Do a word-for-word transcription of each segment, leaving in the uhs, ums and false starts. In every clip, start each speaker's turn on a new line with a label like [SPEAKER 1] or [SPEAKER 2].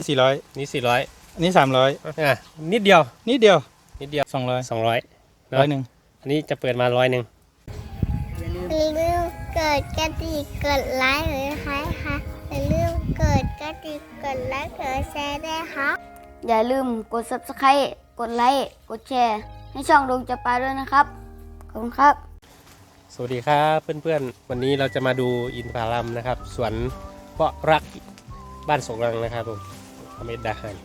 [SPEAKER 1] สี่ร้อย
[SPEAKER 2] นี่สี่ร้อย
[SPEAKER 1] อันนี้สามร้อย
[SPEAKER 2] อ่ะนิดเดียว
[SPEAKER 1] นิดเดียว
[SPEAKER 2] นิดเดียว
[SPEAKER 1] สองร้อย
[SPEAKER 2] สองร้อย
[SPEAKER 1] ร้อยหนึ่ง
[SPEAKER 2] อันนี้จะเปิดมาร้อยหนึ่ง
[SPEAKER 3] อย่าลืมกดกระดิ่งกดไลค์หรือใครคะอย่าลืมกดกระดิ่งกดไลค์กดแชร์ด้วยค่ะอย่าลืมกด ซับสไครบ์ กดไลค์กดแชร์ให้ช่องดวงจับปลาด้วยนะครับขอบคุณครับ
[SPEAKER 2] สวัสดีครับเพื่อนๆวันนี้เราจะมาดูอินทผลัมนะครับสวนเพาะรักบ้านสงรังนะครับผมอเมดดาฮาน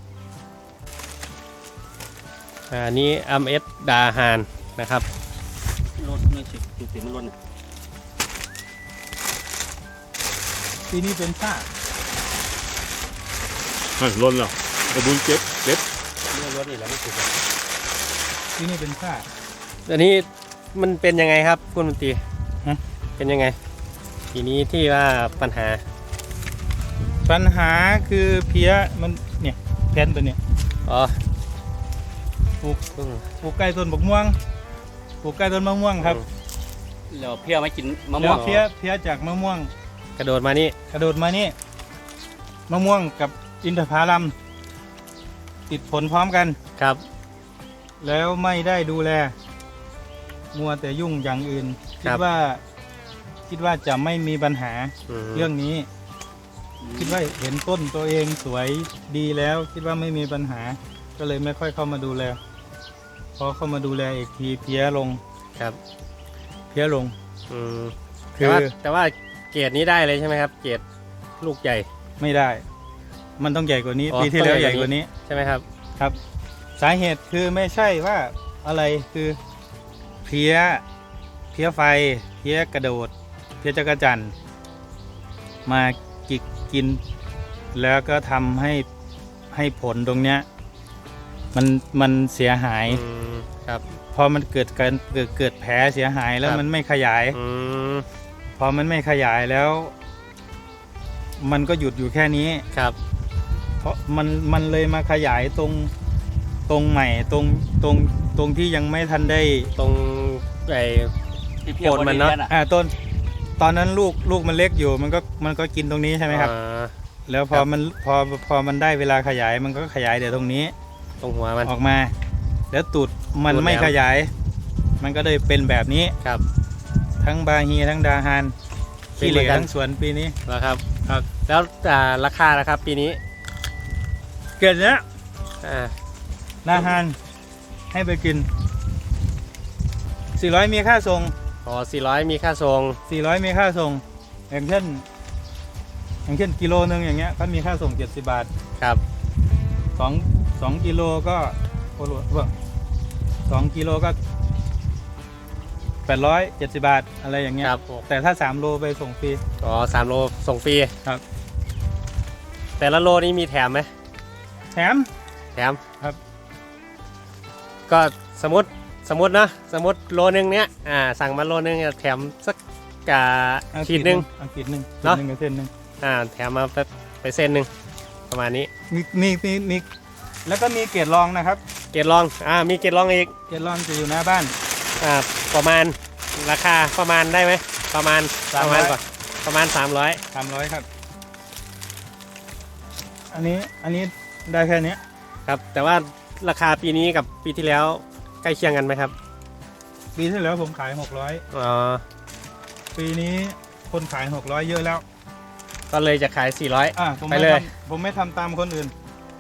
[SPEAKER 2] อันนี้อเมดดาฮานนะครับ
[SPEAKER 4] รถไม่สิจุดติดมันรถเนี่ย
[SPEAKER 1] ปีนี้เป็นฝ้า
[SPEAKER 4] ล้นเหรอไอ้บุญเจ็บเจ็บ
[SPEAKER 2] เรื่องรถนี่แหละไม่ถูก
[SPEAKER 1] ปีนี้เป็นฝ้า
[SPEAKER 2] อันนี้มันเป็นยังไงครับคุณมนตรี
[SPEAKER 1] ฮะ
[SPEAKER 2] เป็นยังไงทีนี้ที่ว่าปัญหา
[SPEAKER 1] ปัญหาคือเพี้ยมันเนี่ยแผ่นตัวเนี้ย
[SPEAKER 2] อ๋อ
[SPEAKER 1] ปลูกปลูกใกล้ต้นบกม่วงปลูกใกล้ต้นมะม่วงครับ
[SPEAKER 4] แล้วเพี้ยไม่กินมะม่
[SPEAKER 1] แล้ว
[SPEAKER 4] ง
[SPEAKER 1] เพี้ยเพี้ยจากมะม่วง
[SPEAKER 2] กระโดดมานี่
[SPEAKER 1] กระโดดมานี่มะม่วงกับอินทผลัมติดผลพร้อมกัน
[SPEAKER 2] ครับ
[SPEAKER 1] แล้วไม่ได้ดูแลมัวแต่ยุ่งอย่างอื่นคิดว่าคิดว่าจะไม่มีปัญหาเรื่องนี้คิดว่าเห็นต้นตัวเองสวยดีแล้วคิดว่าไม่มีปัญหาก็เลยไม่ค่อยเข้ามาดูแลพอเข้ามาดูแลอีกทีเพี้ยลง
[SPEAKER 2] ครับ
[SPEAKER 1] เพี้ยลง
[SPEAKER 2] อืมคือแต่ว่าแต่ว่าเกรดนี้ได้เลยใช่ไหมครับเกรดลูกใหญ่
[SPEAKER 1] ไม่ได้มันต้องใหญ่กว่านี้ปีที่แล้วใหญ่กว่านี้
[SPEAKER 2] ใช่ไหมครับ
[SPEAKER 1] ครับสาเหตุคือไม่ใช่ว่าอะไรคือเพี้ยเพี้ยไฟเพี้ยกระโดดเพี้ยจักรจั่นมากิกกินแล้วก็ทำให้ให้ผลตรงเนี้ยมันมันเสียหาย
[SPEAKER 2] ครับ
[SPEAKER 1] พอมันเกิดการเกิดเกิดแผลเสียหายแล้วมันไม่ขยายพอมันไม่ขยายแล้วมันก็หยุดอยู่แค่นี้
[SPEAKER 2] ครับ
[SPEAKER 1] เพราะมันมันเลยมาขยายตรงตรงใหม่ตรงตรงตรงที่ยังไม่ทันได้
[SPEAKER 2] ตรงไอ้โคนมันเนาะ
[SPEAKER 1] อ่าต้นตอนนั้นลูกลูกมันเล็กอยู่มันก็มันก็กินตรงนี้ใช่ไหมครับแล้วพอมันพอพอมันได้เวลาขยายมันก็ขยายเดี๋ยวตรงนี้
[SPEAKER 2] ตรงหัวมัน
[SPEAKER 1] ออกมาแล้วตูดมันไม่ขยายมันก็เลยเป็นแบบนี้
[SPEAKER 2] ครับ
[SPEAKER 1] ทั้งบาฮีทั้งดาฮานขี้เหร่ทั้งสวนปีนี้
[SPEAKER 2] แล้วครับครับแล้วราคานะครับปีนี้
[SPEAKER 1] เกิดเนี้ย
[SPEAKER 2] อ่า
[SPEAKER 1] ดาฮานให้ไปกินสี่ร้อยมีค่าส่ง
[SPEAKER 2] อ๋อสี่ร้อยมีค่าส่ง
[SPEAKER 1] สี่ร้อยมีค่าส่งอย่างเช่นอย่างเช่นกิโลนึงอย่างเงี้ยก็มีค่าส่งเจ็ดสิบบาท
[SPEAKER 2] ครับ
[SPEAKER 1] สองสองกิโลก็โอ้โหว่าสองกิโลก็แปดร้อยเจ็ดสิบบาทอะไรอย่างเงี้ยแต่ถ้าสามโลไปส่งฟรี
[SPEAKER 2] อ๋อสามโลส่งฟรี
[SPEAKER 1] ครับ
[SPEAKER 2] แต่ละโลนี้มีแถมไหม
[SPEAKER 1] แถม
[SPEAKER 2] แถม
[SPEAKER 1] ครับ
[SPEAKER 2] ก็สมมติสมมตินะสมมติโลนึงเนี้ยอ่าสั่งมาโลนึงแถมสักกะขีดนึง
[SPEAKER 1] ขีดนึงเนาะเส้นนึง
[SPEAKER 2] อ่าแถมมาไปไปเส้นนึงประมาณนี้
[SPEAKER 1] มีมีมีมีแล้วก็มีเกรดรองนะครับ
[SPEAKER 2] เกรดรองอ่ามีเกรดรองอีก
[SPEAKER 1] เกรดรองจะอยู่หน้าบ้าน
[SPEAKER 2] อ่าประมาณราคาประมาณได้ไหมประมาณประมาณก่อนประมาณสามร้อย
[SPEAKER 1] สามร้อยครับอันนี้อันนี้ได้แค่นี้
[SPEAKER 2] ครับแต่ว่าราคาปีนี้กับปีที่แล้วใกล้เคียงกันไหมครับ
[SPEAKER 1] ปีที่แล้วผมขายหกร้อย
[SPEAKER 2] อ๋อ
[SPEAKER 1] ปีนี้คนขายหกร้อยเยอะแล้ว
[SPEAKER 2] ก็เลยจะขายสี่ร้อย
[SPEAKER 1] อ่าไปเลยผมไม่ทำตามคนอื่น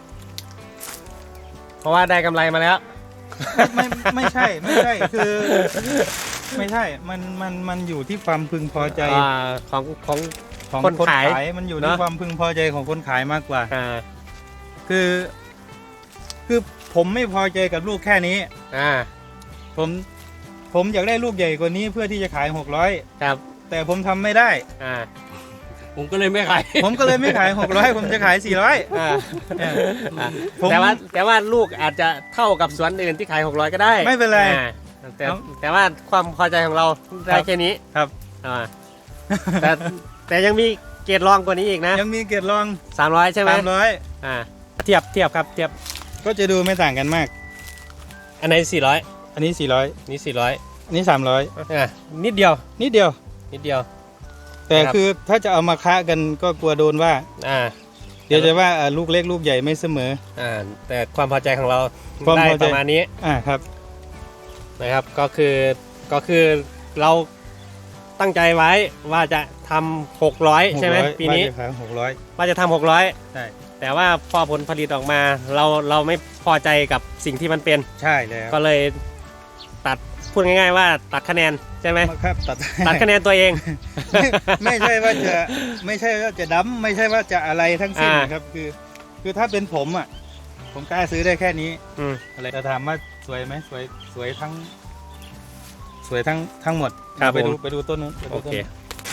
[SPEAKER 2] เพราะว่าได้กำไรมาแล้ว
[SPEAKER 1] ไม่ไม่ใช่ไม่ใช่คือไม่ใช่มันมันมันอยู่ที่ความพึงพอใจ
[SPEAKER 2] ของของ
[SPEAKER 1] ของคนขายมันอยู่ที่ความพึงพอใจของคนขายมากกว่าคือคือผมไม่พอใจกับลูกแค่นี้
[SPEAKER 2] อ่า
[SPEAKER 1] ผมผมอยากได้ลูกใหญ่กว่านี้เพื่อที่จะขายหกร้อย
[SPEAKER 2] ครับ
[SPEAKER 1] แต่ผมทำไม่ได้
[SPEAKER 2] อ่า
[SPEAKER 4] ผมก็เลยไม่ขาย
[SPEAKER 1] ผมก็เลยไม่ขายหกร้อยผมจะขายสี่ร้อย
[SPEAKER 2] อ่าแต่ว่าแต่ว่าลูกอาจจะเท่ากับสวนอื่นที่ขายหกร้อยก็ได้
[SPEAKER 1] ไม่เป็นไร
[SPEAKER 2] แต่แต่ว่าความพอใจของเราได้แค่นี้
[SPEAKER 1] ครับ
[SPEAKER 2] อ่าแต่แต่ยังมีเกรดรองกว่านี้อีกนะ
[SPEAKER 1] ยังมีเกรดรอง
[SPEAKER 2] สามร้อยใช่ไหม
[SPEAKER 1] สามร้อย
[SPEAKER 2] อ่าเทียบเทียบครับเทียบ
[SPEAKER 1] ก็จะดูไม่ต่างกันมาก
[SPEAKER 2] อันไหนสี่ร้อย
[SPEAKER 1] อันนี้สี่ร้อย
[SPEAKER 2] นี่สี่ร้อย
[SPEAKER 1] อันนี้สามร้อย
[SPEAKER 2] อ่านิดเดียว
[SPEAKER 1] นิดเดียว
[SPEAKER 2] นิดเดียว
[SPEAKER 1] แต่คือถ้าจะเอามาค้ากันก็กลัวโดนว่า
[SPEAKER 2] อ่า
[SPEAKER 1] เดี๋ยวจะว่าอ่าลูกเล็กลูกใหญ่ไม่เสมอ
[SPEAKER 2] อ่าแต่ความพอใจของเรา
[SPEAKER 1] ความ
[SPEAKER 2] ได้
[SPEAKER 1] พอใจ
[SPEAKER 2] ประมาณนี้
[SPEAKER 1] อ่าครับ
[SPEAKER 2] นะครับก็คือก็คือเราตั้งใจไว้ว่าจะทำหกร้อยใช่ไหมปีนี้
[SPEAKER 1] หกร้อย
[SPEAKER 2] ว่าจะทำหกร้อย
[SPEAKER 1] ใช่
[SPEAKER 2] แต่ว่าพอผลผลิตออกมาเราเราไม่พอใจกับสิ่งที่มันเป็น
[SPEAKER 1] ใช่แล้ว
[SPEAKER 2] ก็เลยตัดพูดง่ายๆว่าตัดคะแนนใช่ไหม
[SPEAKER 1] ครับตัด
[SPEAKER 2] ตัดคะแนนตัวเอง
[SPEAKER 1] ไม่ไม่ใช่ว่าจะไม่ใช่ว่าจะดั้มไม่ใช่ว่าจะอะไรทั้งสิ้น
[SPEAKER 2] อ่า
[SPEAKER 1] ครับคือ คือถ้าเป็นผมอ่ะผมกล้าซื้อได้แค่นี้
[SPEAKER 2] อืม
[SPEAKER 1] อะไรจะถามว่าสวยไหมสวยสวยทั้ง สวยทั้งทั้งหมด
[SPEAKER 2] ครับ
[SPEAKER 1] ไปดู
[SPEAKER 2] ผม
[SPEAKER 1] ไปดูต้นนู้นไป
[SPEAKER 2] โอ
[SPEAKER 1] ดูต้น
[SPEAKER 2] เค
[SPEAKER 1] นู้น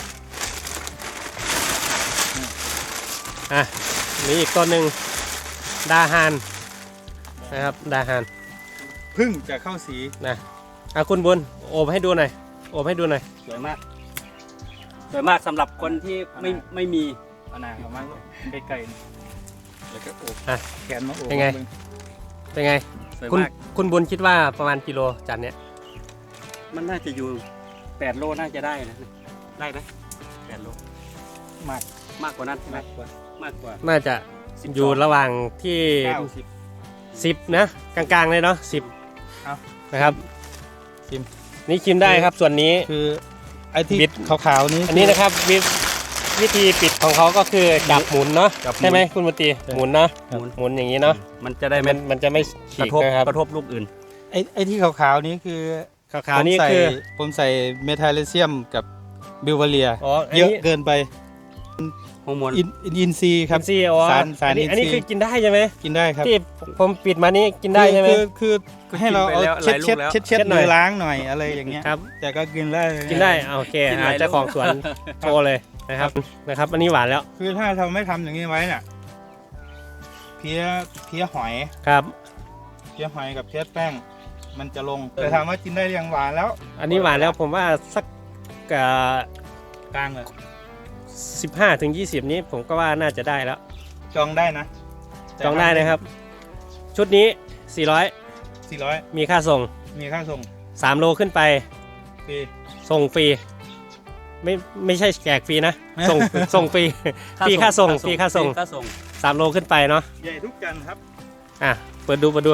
[SPEAKER 2] อ่ะนี่อีกต้นหนึ่งดาฮานนะครับดาฮาน
[SPEAKER 1] เพึ่งจะเข้าสี
[SPEAKER 2] นะอ่ะคุณบุญโอบให้ดูหน่อยโอบให้ดูหน่อย
[SPEAKER 4] สวยมากสวยมากสำหรับคนที่ไม่ไม่มี
[SPEAKER 1] เอาหนาออกมาใกล้ๆแล้วก็โอบ
[SPEAKER 2] อ่ะ
[SPEAKER 1] แขนมาโอบ
[SPEAKER 2] เป็นไง เป็นไง
[SPEAKER 4] สวย
[SPEAKER 2] คุณ
[SPEAKER 4] มาก
[SPEAKER 2] คุณบุญคิดว่าประมาณกิโลจานเนี้ย
[SPEAKER 4] มันน่าจะอยู่แปดโลน่าจะได้นะได้ไหมแปดโล
[SPEAKER 1] มาก
[SPEAKER 4] มากกว่านั้นใช่ไหม
[SPEAKER 1] มากกว่าม
[SPEAKER 4] ากกว่า
[SPEAKER 2] น่าจะอยู่ระหว่างที่
[SPEAKER 1] เก้าสิบ
[SPEAKER 2] สิบนะกลางๆเลยเนาะสิบ
[SPEAKER 1] เอา
[SPEAKER 2] นะครับ
[SPEAKER 1] ชิม
[SPEAKER 2] นี่ชิมได้ครับส่วนนี้
[SPEAKER 1] คือไอ้ที่
[SPEAKER 2] บิด
[SPEAKER 1] ขาวๆนี้
[SPEAKER 2] อันนี้นะครับวิวิธีปิดของเขาก็คือจับหมุนเนาะ
[SPEAKER 4] จับหมุน
[SPEAKER 2] ใช่ไหมคุณบุตรีหมุนเนาะ
[SPEAKER 1] ครับ
[SPEAKER 2] หมุนอย่างนี้เนาะ
[SPEAKER 4] มันจะได้
[SPEAKER 2] มั
[SPEAKER 4] ไม่
[SPEAKER 2] นมันจะไม่
[SPEAKER 4] ก
[SPEAKER 2] ฉี
[SPEAKER 4] ระ
[SPEAKER 2] ก
[SPEAKER 4] ทบ
[SPEAKER 2] นะครับ
[SPEAKER 4] กระทบลูกอื่น
[SPEAKER 1] ไอ้ไอ้ที่ขาวๆนี้คือ
[SPEAKER 2] ขาวๆนี่
[SPEAKER 1] ผมใส่
[SPEAKER 2] คือ
[SPEAKER 1] ผมใส่เมทาเลเซียมกับบิวเวเรีย
[SPEAKER 2] อ๋ออัน
[SPEAKER 1] เยอะ
[SPEAKER 2] นี้
[SPEAKER 1] เกินไป
[SPEAKER 4] ฮอร์โมน
[SPEAKER 1] อินอินอินซีย์ครับ
[SPEAKER 2] อินซีย์อ๋อ
[SPEAKER 1] สารสาร
[SPEAKER 2] อันนี้
[SPEAKER 1] อิน
[SPEAKER 2] อันนี้
[SPEAKER 1] ซีย์
[SPEAKER 2] คือกินได้ใช่ไหม
[SPEAKER 1] กินได้ครับ
[SPEAKER 2] ที่ผมปิดมานี่กินได้ใช่ไหม
[SPEAKER 1] คือคือคือให้เราเอา
[SPEAKER 4] กินไป
[SPEAKER 1] เช็ด
[SPEAKER 4] แล้ว
[SPEAKER 1] เช็ด
[SPEAKER 4] หลายลูกแล้ว
[SPEAKER 1] เช็ดเช็ด
[SPEAKER 2] เช็ดหน่
[SPEAKER 1] มื
[SPEAKER 2] อย
[SPEAKER 1] อล้างหน่อยอะไรอย่างเงี้ย
[SPEAKER 2] ครับ
[SPEAKER 1] แต่ก็กินได้
[SPEAKER 2] กินได้อ่ะโอเค
[SPEAKER 4] กินห
[SPEAKER 2] อ่ะ
[SPEAKER 4] ลาย
[SPEAKER 2] เจ้าของ
[SPEAKER 4] ลูก
[SPEAKER 2] สวนโชว์เลยนะครับนะครับ อันนี้หวานแล้ว
[SPEAKER 1] คือถ้าเราไม่ทำอย่างนี้ไว้น่ะเพี้ยเพี้ยหอย
[SPEAKER 2] ครับ
[SPEAKER 1] เพี้ยหอยกับเพี้ยแป้ง มันจะลงแต่ถามว่ากินได้ยังหวานแล้ว
[SPEAKER 2] อันนี้หวานแล้วผมว่าสัก
[SPEAKER 1] กลางเลย
[SPEAKER 2] สิบห้าถึงยี่สิบนี้ผมก็ว่าน่าจะได้แล้ว
[SPEAKER 1] จองได้นะ
[SPEAKER 2] จองได้นะครับ ชุดนี้สี่ร้อย
[SPEAKER 1] สี่ร้อย
[SPEAKER 2] มีค่าส่ง
[SPEAKER 1] มีค่าส่ง
[SPEAKER 2] สามโลขึ้นไป
[SPEAKER 1] ฟรี
[SPEAKER 2] ส่งฟรีไม่ไม่ใช่แจกฟรีนะ ส่งส่งฟรีฟรีค่าส่งฟรีค่าส่ง
[SPEAKER 4] ค่าส่ง
[SPEAKER 2] สามโลขึ้นไปเนาะ
[SPEAKER 1] ใหญ่ทุกจันทร์ครับ
[SPEAKER 2] อ่ะเปิดดูเปิดดู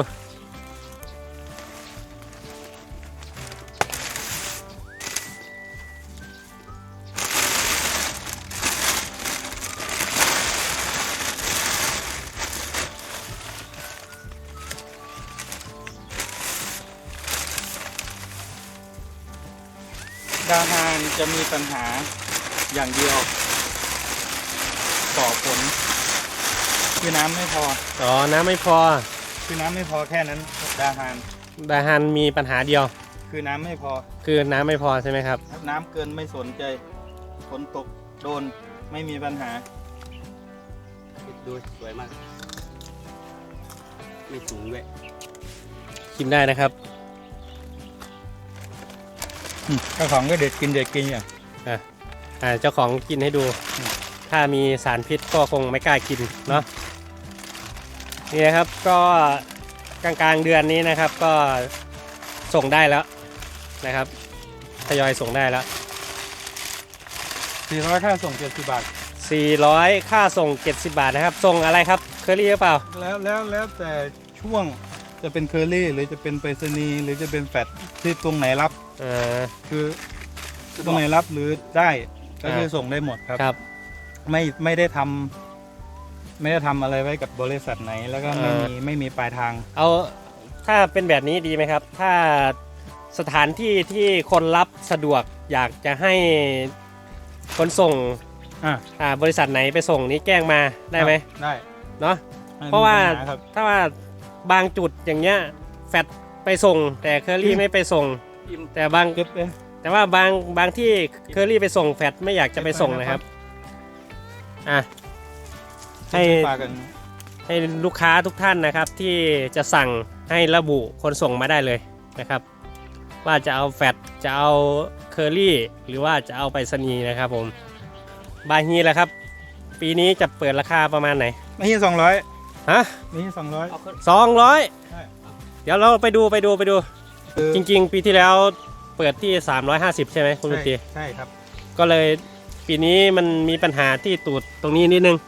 [SPEAKER 1] ดาวฮานจะมีปัญหาอย่างเดียวต่อผลคือน้ำไม่พอ
[SPEAKER 2] อ๋อน้ำไม่พอ
[SPEAKER 1] คือน้ำไม่พอแค่นั้นดาวฮาน
[SPEAKER 2] ดาฮันมีปัญหาเดียว
[SPEAKER 1] คือน้ำไม่พอ
[SPEAKER 2] คือน้ำไม่พอใช่ไหมครับ
[SPEAKER 1] น้ำเกินไม่สนใจฝนตกโดนไม่มีปัญหา
[SPEAKER 4] ดูสวยมาก ไม่สูงด้วย
[SPEAKER 2] กินได้นะครับ
[SPEAKER 1] เจ้าของก็เด็ดกินเด็ดกินอย่าง
[SPEAKER 2] อ่ะอ่าเจ้าของกินให้ดู ถ้ามีสารพิษก็คงไม่กล้ากินเนาะนี่นะครับก็กลางกลางๆเดือนนี้นะครับ ก็ส่งได้แล้วนะครับทยอยส่งได้แล้ว
[SPEAKER 1] สี่ร้อยค่าส่งเจ็ดสิบบาท
[SPEAKER 2] สี่ร้อยค่าส่งเจ็ดสิบบาทนะครับส่งอะไรครับเคอรี่หรือเปล่า
[SPEAKER 1] แล้วแล้วแล้วแต่ช่วงจะเป็นเคอรี่หรือจะเป็นไปรษณีย์หรือจะเป็นแฟดที่ตรงไหนรับ
[SPEAKER 2] เออ
[SPEAKER 1] คือตรงไหนรับหรือได้ก็คือส่งได้หมดครับ
[SPEAKER 2] ครับ
[SPEAKER 1] ไม่ไม่ได้ทำไม่ได้ทำอะไรไว้กับบริษัทไหน แล้วก็ไม่
[SPEAKER 2] เอ่อ
[SPEAKER 1] มีไม่มีปลายทาง
[SPEAKER 2] เอาถ้าเป็นแบบนี้ดีไหมครับ ถ้าสถานที่ที่คนรับสะดวกอยากจะให้คนส่ง
[SPEAKER 1] อ่ะ
[SPEAKER 2] อ่าบริษัทไหนไปส่งนี้แจ้งมาได้ไหม
[SPEAKER 1] ได้
[SPEAKER 2] เนาะ
[SPEAKER 1] ไม่มี
[SPEAKER 2] เพราะว่า
[SPEAKER 1] ปัญหครับ
[SPEAKER 2] ถ้าว่าบางจุดอย่างเงี้ยแฟดไปส่ง แต่เคอรี่ไม่ไปส่ง
[SPEAKER 4] อิ่ม
[SPEAKER 2] แต่บาง
[SPEAKER 1] เก็บไป
[SPEAKER 2] แต่ว่าบางบางที่เคอรี่ไปส่งแฟดไม่อยากจะไปส่งนะครับอ่ะให้
[SPEAKER 1] ฝากกัน
[SPEAKER 2] ให้ลูกค้าทุกท่านนะครับที่จะสั่งให้ระบุคนส่งมาได้เลยนะครับ ว่าจะเอาแฟดจะเอาเคอรี่หรือว่าจะเอาไปรษณีย์นะครับผมบาฮีแหละครับ ปีนี้จะเปิดราคาประมาณไหน
[SPEAKER 1] ไม่ใช่สองร้อย
[SPEAKER 2] ฮะ
[SPEAKER 1] ไม่ใช่สองร้อย
[SPEAKER 4] เอาขึ้น
[SPEAKER 2] สองร้อย
[SPEAKER 1] ใช่
[SPEAKER 2] เดี๋ยวเราไปดูไปดูไปดู
[SPEAKER 1] คือ
[SPEAKER 2] จริงๆ ปีที่แล้วเปิดที่สามร้อยห้าสิบใช่ไหมคุณลุงตี
[SPEAKER 1] ใช่ครับ
[SPEAKER 2] ก็เลยปีนี้มันมีปัญหาที่ตูดตรงนี้นิดนึง
[SPEAKER 1] ตูด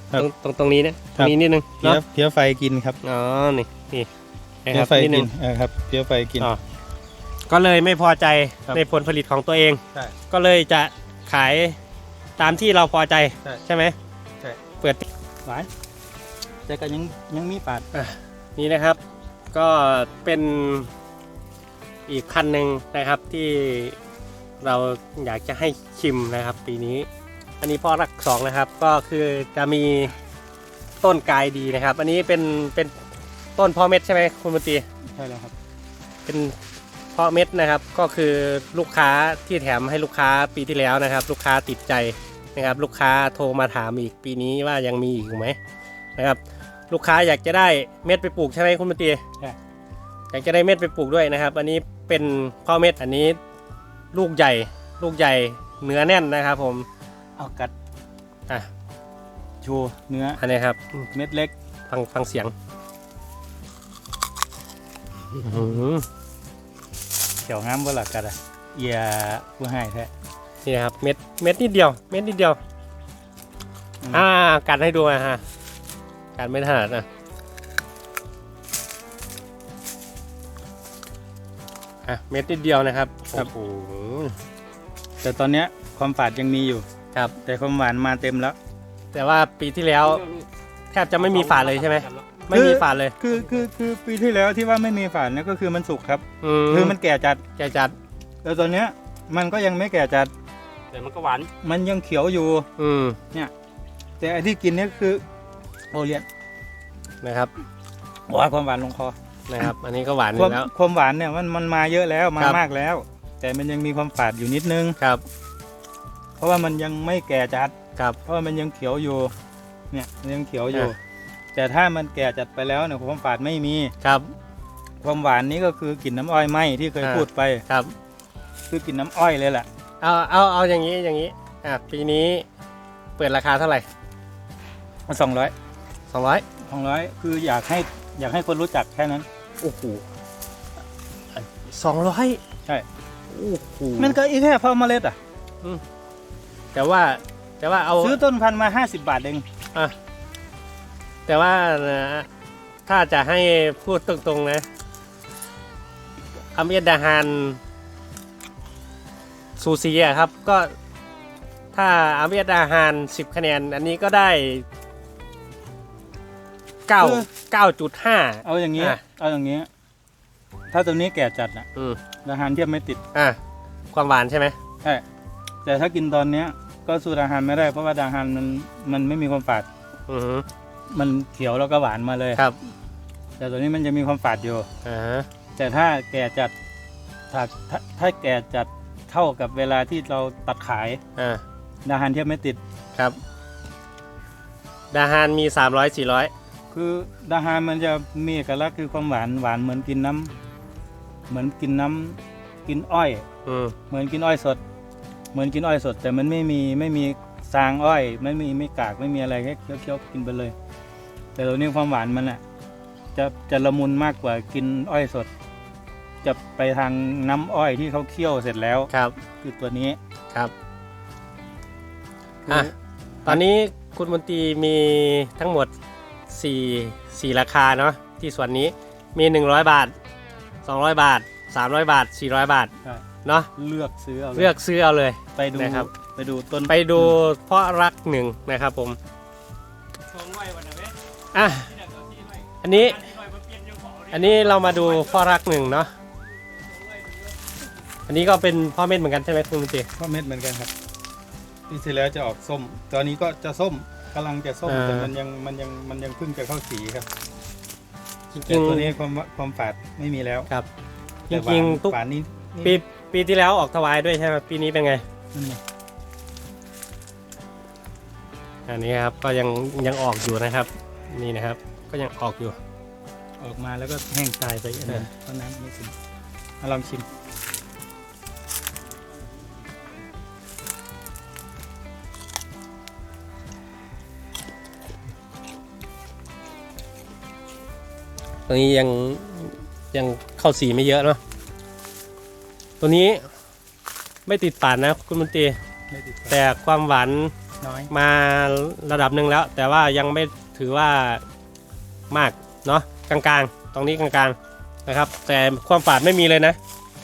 [SPEAKER 1] ครับ
[SPEAKER 2] ตรงตรงตรงนี้นะต
[SPEAKER 1] ค
[SPEAKER 2] ร
[SPEAKER 1] รับ
[SPEAKER 2] งนี้นิดนึง
[SPEAKER 1] เพี้ย
[SPEAKER 2] เนาะ
[SPEAKER 1] เพี้ยไฟกินครับ
[SPEAKER 2] อ๋อนี่นี่นะ
[SPEAKER 1] เพี้
[SPEAKER 2] ค
[SPEAKER 1] ย
[SPEAKER 2] รับ
[SPEAKER 1] ไฟ
[SPEAKER 2] นิดนึ
[SPEAKER 1] กิน
[SPEAKER 2] ง
[SPEAKER 1] เออครับเพี้ยไฟกิน
[SPEAKER 2] อ๋อก็เลยไม่พอใจ
[SPEAKER 1] ครับ
[SPEAKER 2] ในผลผลิตของตัวเอง
[SPEAKER 1] ใช่
[SPEAKER 2] ก็เลยจะขายตามที่เราพอใจ
[SPEAKER 1] ใช่
[SPEAKER 2] ใช่ไหม
[SPEAKER 1] ใช่
[SPEAKER 2] เปิด
[SPEAKER 1] หวานแต่ก็ยังยังมีปาด
[SPEAKER 2] นี่นะครับก็เป็นอีกพันธุ์หนึ่งนะครับที่เราอยากจะให้ชิมนะครับ ปีนี้ อันนี้พ่อรักสองนะครับ ก็คือจะมีต้นกายดีนะครับ อันนี้เป็นเป็นต้นพ่อเม็ดใช่ไหมคุณมนตรี
[SPEAKER 1] ใช่แล้วครับ
[SPEAKER 2] เป็นเพาะเม็ดนะครับ ก็คือลูกค้าที่แถมให้ลูกค้าปีที่แล้วนะครับ ลูกค้าติดใจนะครับ ลูกค้าโทรมาถามอีกปีนี้ว่ายังมีอีกไหมนะครับ ลูกค้าอยากจะได้เม็ดไปปลูกใช่ไหมคุณมนตรี
[SPEAKER 1] ใช่
[SPEAKER 2] อยากจะได้เม็ดไปปลูกด้วยนะครับ อันนี้เป็นเพาะเม็ดอันนี้ลูกใหญ่ ลูกใหญ่เนื้อแน่นนะครับ ผม
[SPEAKER 1] เอากัด
[SPEAKER 2] อ่ะ
[SPEAKER 1] โชว์เนื้อ
[SPEAKER 2] อันนี้ครับ
[SPEAKER 1] เม็ดเล็ก
[SPEAKER 2] ฟังฟังเสียงอื้อหือ
[SPEAKER 1] เขียวงามบ่หลักกัดอ่ะเอียผู้ให้แท้
[SPEAKER 2] นี่นะครับเม็ดเม็ดนิดเดียวเม็ดนิดเดียว
[SPEAKER 1] อืม
[SPEAKER 2] อ่ากัดให้ดูนะฮะกัดไม่ถนัดนะอ่ะเม็ดนิดเดียวนะครับโอ้โห
[SPEAKER 1] แต่ตอนเนี้ยความฝาดยังมีอยู่
[SPEAKER 2] ครับ
[SPEAKER 1] แต่ความหวานมาเต็มแล้ว
[SPEAKER 2] แต่ว่าปีที่แล้วแทบจะไม่มีฝาดเลยใช่ไหมไม่มีฝาดเลย
[SPEAKER 1] คือคือคือปีที่แล้วที่ว่าไม่มีฝาดเนี่ยก็คือมันสุกครับ
[SPEAKER 2] อืม
[SPEAKER 1] คือมันแก่จัด
[SPEAKER 2] แกจัด
[SPEAKER 1] แล้วตอนเนี้ยมันก็ยังไม่แก่จัด
[SPEAKER 4] แต่มันก็หวาน
[SPEAKER 1] มันยังเขียวอยู่
[SPEAKER 2] อืม
[SPEAKER 1] แต่ไอ้ที่กินเนี่ยคือโอเลียน
[SPEAKER 2] นะครับ
[SPEAKER 1] ว่าความหวานลงคอ
[SPEAKER 2] นะครับ อันนี้ก็หวานอ
[SPEAKER 1] ความ
[SPEAKER 2] ยู่แล้ว
[SPEAKER 1] ความหวานเนี่ยมันมันมาเยอะแล้วมา
[SPEAKER 2] ครับ
[SPEAKER 1] มากแล้ว แต่มันยังมีความฝาดอยู่นิดนึง
[SPEAKER 2] ครับ
[SPEAKER 1] เพราะว่ามันยังไม่แก่จัด
[SPEAKER 2] ครับ
[SPEAKER 1] เพราะว่ามันยังเขียวอยู่ เนี่ยมันยังเขียวอยู่
[SPEAKER 2] อ่ะ
[SPEAKER 1] แต่ถ้ามันแก่จัดไปแล้วเนี่ยความฝาดไม่มี
[SPEAKER 2] ครับ
[SPEAKER 1] ความหวานนี้ก็คือกลิ่นน้ำอ้อยไหมที่เคย
[SPEAKER 2] อ่า
[SPEAKER 1] พูดไป
[SPEAKER 2] ครับ
[SPEAKER 1] คือกลิ่นน้ำอ้อยเลยแหละ
[SPEAKER 2] เอาเอาเอาอย่างนี้อย่างนี้อ่ะปีนี้เปิดราคาเท่าไหร่
[SPEAKER 1] สองร้อย
[SPEAKER 2] สองร้อย
[SPEAKER 1] สองร้อยคืออยากให้อยากให้คนรู้จักแค่นั้น
[SPEAKER 2] โอ้โหสองร้อย
[SPEAKER 1] ใช่
[SPEAKER 2] โอ้โห
[SPEAKER 1] มันก็อีกแค่เพาะเมล็ดอ่ะ
[SPEAKER 2] แต่ว่าแต่ว่าเอา
[SPEAKER 1] ซื้อต้นพันธุ์มาห้าสิบบาทเอง
[SPEAKER 2] อ่ะแต่ว่านะถ้าจะให้พูดตรงๆนะอเมดาฮานซูซีอะครับ ก็ถ้าอเมดาฮานสิบคะแนน อันนี้ก็ได้เก้าเก้าจุดห้า
[SPEAKER 1] เอาอย่างเงี้ย
[SPEAKER 2] อ่ะ
[SPEAKER 1] เอาอย่างเงี้ยถ้าตัวนี้แก่จัดน่ะ
[SPEAKER 2] อืม
[SPEAKER 1] อาหารเทียบไม่ติด
[SPEAKER 2] อ่ะความหวานใช่ไหม
[SPEAKER 1] ใช่แต่ถ้ากินตอนเนี้ยก็สูตรอาหารไม่ได้เพราะว่าอาหารมันมันไม่มีความฝาด
[SPEAKER 2] อือหือ
[SPEAKER 1] มันเขียวแล้วก็หวานมาเลย
[SPEAKER 2] ครับ
[SPEAKER 1] แต่ตัวนี้มันจะมีความฝาดอยู่
[SPEAKER 2] อ่าฮะ
[SPEAKER 1] แต่ถ้าแก่จัดถ้าถ้าถ้าแก่จัดเท่ากับเวลาที่เราตัดขาย
[SPEAKER 2] อ่า
[SPEAKER 1] อาหารเทียบไม่ติด
[SPEAKER 2] ครับดาฮานมีสามร้อยสี่ร้อย
[SPEAKER 1] คืออาหารมันจะมีเอกลักษณ์คือความหวานหวานเหมือนกินน้ำเหมือนกินน้ำกินอ้อย
[SPEAKER 2] อืม
[SPEAKER 1] เหมือนกินอ้อยสด เหมือนกินอ้อยสด แต่มันไม่มีไม่มีซางอ้อย ไม่มีไม่กากไม่มีอะไรแค่เคี้ยวๆกินไปเลย แต่ตัวนี้ความหวานมันอ่ะจะจะละมุนมากกว่ากินอ้อยสด จะไปทางน้ำอ้อยที่เขาเคี่ยวเสร็จแล้ว
[SPEAKER 2] ครับ
[SPEAKER 1] คือตัวนี้
[SPEAKER 2] ครับอ่ะตอนนี้คุณมนตรีมีทั้งหมดสี่ สี่ราคาเนาะที่ส่วนนี้มีหนึ่งร้อยบาทสองร้อยบาทสามร้อยบาทสี่ร้อยบาท
[SPEAKER 1] ใช่
[SPEAKER 2] เนาะ
[SPEAKER 1] เลือกซื้อเอา
[SPEAKER 2] เลือกซื้อเอาเลย
[SPEAKER 1] ไปดู
[SPEAKER 2] นะครับ
[SPEAKER 1] ไปดูต้น
[SPEAKER 2] ไปดูเพราะรักหนึ่งนะครับผมอ่ะอันนี้อันนี้เรามาดูเพราะรักหนึ่งเนาะอันนี้ก็เป็นพ่อเม็ดเหมือนกันใช่ไหมคุณมนตรี
[SPEAKER 1] ข้าวเม็ดเหมือนกันครับปีที่แล้วจะออกส้ม ตอนนี้ก็จะส้มกำลังจะส้ม
[SPEAKER 2] อ่า
[SPEAKER 1] แต่มันยังมันยังมันยังเพิ่งจะเข้าสีครับ
[SPEAKER 2] จริ
[SPEAKER 1] แต่
[SPEAKER 2] ง
[SPEAKER 1] ตัวนี้ความความฝาดไม่มีแล้ว
[SPEAKER 2] ๆครับจ
[SPEAKER 1] แต่หวาน
[SPEAKER 2] ริงๆทุก
[SPEAKER 1] ฝาดนี้นี่
[SPEAKER 2] ปีปีที่แล้วออกถวายด้วยใช่ไหมปีนี้เป็นไง
[SPEAKER 1] นั่นไง
[SPEAKER 2] อันนี้ครับก็ยังยังออกอยู่นะครับ นี่นะครับ ก็ยังออกอยู่
[SPEAKER 1] ออกมาแล้วก็แห้งตายไปอันนึง
[SPEAKER 2] เออ
[SPEAKER 1] เพราะน้ำไม่ถึงมาลองชิม
[SPEAKER 2] ตรงนี้ยังยังเข้าสีไม่เยอะเนาะตัวนี้ไม่ติดฝาดนะคุณมนตรี
[SPEAKER 1] ไม่ติดฝาด
[SPEAKER 2] แต่ความหวาน
[SPEAKER 1] น้อย
[SPEAKER 2] มาระดับหนึ่งแล้ว แต่ว่ายังไม่ถือว่ามากเนาะกลางๆ ตรงนี้กลางๆนะครับ แต่ความฝาดไม่มีเลยนะ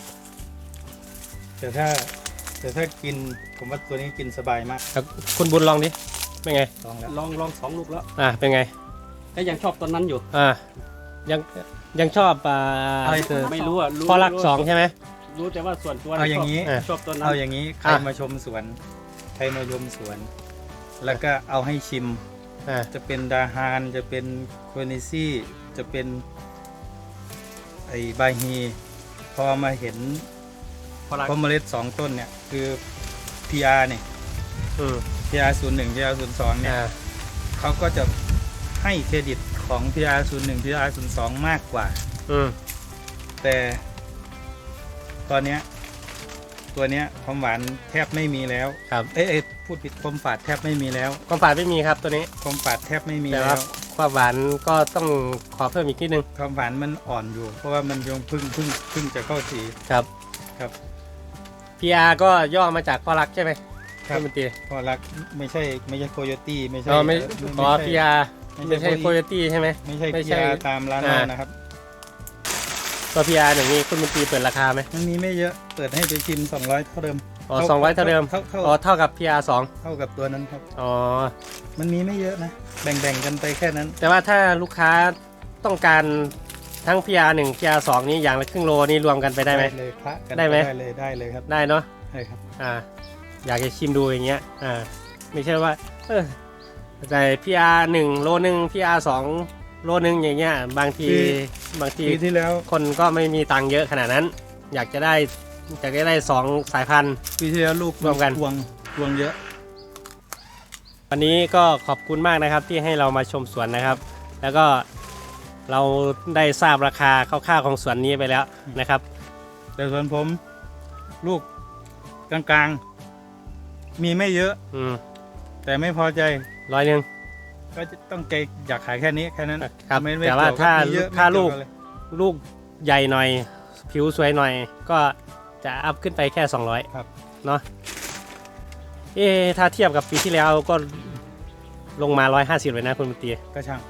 [SPEAKER 1] แต่ถ้าแต่ถ้ากินผมว่าตัวนี้กินสบายมาก
[SPEAKER 2] ครับคุณบุญลองดิเป็นไง
[SPEAKER 1] ลองแล้ว
[SPEAKER 4] ลองลองสองลูกแล้ว
[SPEAKER 2] อ่าเป็นไง
[SPEAKER 4] ก็ยังชอบต้นนั้นอยู่
[SPEAKER 2] อ่ายังยังชอบอ่า
[SPEAKER 1] อะไรคือ
[SPEAKER 4] ไม่รู้อ่ะรู้
[SPEAKER 2] พอรักสองใช่ไหม
[SPEAKER 4] รู้แต่ว่าส่วนตัว
[SPEAKER 1] เอาอย่างนี้
[SPEAKER 4] นี้ชอบต้นนั้น
[SPEAKER 1] เอาอย่างนี้ใคร
[SPEAKER 2] อ่ะ
[SPEAKER 1] มาชมสวนใครมาชมสวน แล้วก็เอาให้ชิม
[SPEAKER 2] อ่า
[SPEAKER 1] จะเป็นดาฮานจะเป็นโคนิซี่จะเป็นไอบาฮีพอมาเห็น
[SPEAKER 4] พอรัก
[SPEAKER 1] พอเมล็ดสองต้นเนี่ยคือ พี อาร์ เนี่ย
[SPEAKER 2] อืม
[SPEAKER 1] พี อาร์ ศูนย์หนึ่ง พี อาร์ ศูนย์สองเนี่ย
[SPEAKER 2] อ่า
[SPEAKER 1] เขาก็จะให้เครดิตของ พี อาร์ ศูนย์หนึ่ง พี อาร์ ศูนย์สอง มากกว่า
[SPEAKER 2] อืม
[SPEAKER 1] แต่ตอนเนี้ยตัวเนี้ยความหวานแทบไม่มีแล้ว
[SPEAKER 2] ครับ
[SPEAKER 1] เอ้ยเอ้ยพูดผิดความฝาดแทบไม่มีแล้ว
[SPEAKER 2] ความฝาดไม่มีครับตัวนี้
[SPEAKER 1] ความฝาดแทบไม่มี
[SPEAKER 2] แต่
[SPEAKER 1] แล้
[SPEAKER 2] ว่าว ความหวานก็ต้องขอเพิ่มอีกนิดนึง
[SPEAKER 1] ความหวานมันอ่อนอยู่ เพราะว่ามันยังเพึ่งเพึ่งเพึ่งจะเข้าสี
[SPEAKER 2] ครับ
[SPEAKER 1] ครับ
[SPEAKER 2] พี อาร์ ก็ย่อมาจากพอรักใช่ไหม
[SPEAKER 1] ครับ
[SPEAKER 2] ณมนตรี
[SPEAKER 1] พอรักไม่ใช่ไม่ใช่โคโยตี้ไม่ใช่
[SPEAKER 2] อ๋อไม่
[SPEAKER 1] ไม่
[SPEAKER 2] อ๋อ
[SPEAKER 1] ใช่
[SPEAKER 2] พี อาร์
[SPEAKER 1] ไม่
[SPEAKER 2] ไม่
[SPEAKER 1] ใช่
[SPEAKER 2] ใช่โคโยตี้ใช่ไหม
[SPEAKER 1] ไม่ใช่
[SPEAKER 2] ไม่
[SPEAKER 1] พี
[SPEAKER 2] ใช่
[SPEAKER 1] อาร์ตามร้านเรา
[SPEAKER 2] อ่า
[SPEAKER 1] นะครับ
[SPEAKER 2] ตัว พี อาร์ อย่างนี้คุณมนตรีเปิดราคาไหม
[SPEAKER 1] มันมีไม่เยอะเปิดให้ไปชิมสองร้อยเท่าเดิม
[SPEAKER 2] อ๋อสองร้อยเท่าเดิม
[SPEAKER 1] เท่าเท่า
[SPEAKER 2] อ๋อเท่ากับ พี อาร์ สอง
[SPEAKER 1] เท่ากับตัวนั้นครับ
[SPEAKER 2] อ๋อ
[SPEAKER 1] มันมีไม่เยอะนะ แบ่งๆกันไปแค่นั้น
[SPEAKER 2] แต่ว่าถ้าลูกค้าต้องการทั้ง พี อาร์ หนึ่ง พี อาร์ สองนี้อย่างละครึ่งโลนี่รวมกันไปได้ไหม
[SPEAKER 1] เลยพระกัน
[SPEAKER 2] ได้ไหม
[SPEAKER 1] ได้เลยได้เลยครับ
[SPEAKER 2] ได้เนาะ
[SPEAKER 1] ได้ครับ
[SPEAKER 2] อ่า อยากจะชิมดูอย่างเงี้ย อ่า ไม่ใช่ว่า เออแต่ พี อาร์ หนึ่งโลหนึ่ง พี อาร์ สองโลหนึ่งอย่างเงี้ย บางที
[SPEAKER 1] คือ
[SPEAKER 2] บางที
[SPEAKER 1] ปีที่แล้ว
[SPEAKER 2] คนก็ไม่มีตังค์เยอะขนาดนั้น อยากจะได้อยากจะได้สองสายพันธุ์
[SPEAKER 1] ปีที่แล้วลูก
[SPEAKER 2] รวมกัน
[SPEAKER 1] ทวงทวงเยอะ
[SPEAKER 2] วันนี้ก็ขอบคุณมากนะครับที่ให้เรามาชมสวนนะครับ แล้วก็เราได้ทราบราคาคร่าวๆของสวนนี้ไปแล้วนะครับ
[SPEAKER 1] แต่ส่วนผมลูกกลางๆ มีไม่เยอะ
[SPEAKER 2] อืม
[SPEAKER 1] แต่ไม่พอใจ
[SPEAKER 2] ร้อยหนึ่ง
[SPEAKER 1] ก็จะต้องใจอยากขายแค่นี้แค่นั้น
[SPEAKER 2] ครับ
[SPEAKER 1] ไม่ไม่
[SPEAKER 2] แต่ว่า
[SPEAKER 1] เกี่ย
[SPEAKER 2] ถ้า
[SPEAKER 1] บมีเยอะ
[SPEAKER 2] ถ้า
[SPEAKER 1] ไม่
[SPEAKER 2] ลูก
[SPEAKER 1] เยวอะไร
[SPEAKER 2] ลูกใหญ่หน่อย ผิวสวยหน่อย ก็จะอัพขึ้นไปแค่สองร้อย
[SPEAKER 1] ครับ
[SPEAKER 2] เนาะเอ๊ะถ้าเทียบกับปีที่แล้วก็ลงมาร้อยห้าสิบเลยนะคุณมนตรี
[SPEAKER 1] ก็ช่าง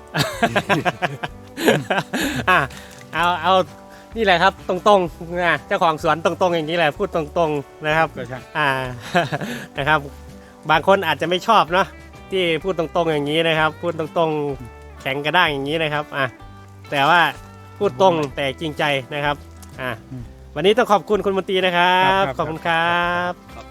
[SPEAKER 2] อ่ะเอาเอานี่แหละครับตรงๆนะเจ้าของสวนตรงๆอย่างนี้แหละพูดตรงๆนะครับ
[SPEAKER 1] ก็ช่าง
[SPEAKER 2] อ่า นะครับ บางคนอาจจะไม่ชอบเนาะที่พูดตรงๆอย่างนี้นะครับ พูดตรงๆแข็งกระด้างอย่างนี้นะครับอ่ะแต่ว่าพูดตรงแต่จริงใจนะครับอ่ะวันนี้ต้องขอบคุณคุณมนตรีนะครับ ขอบคุณครับ
[SPEAKER 4] ครับ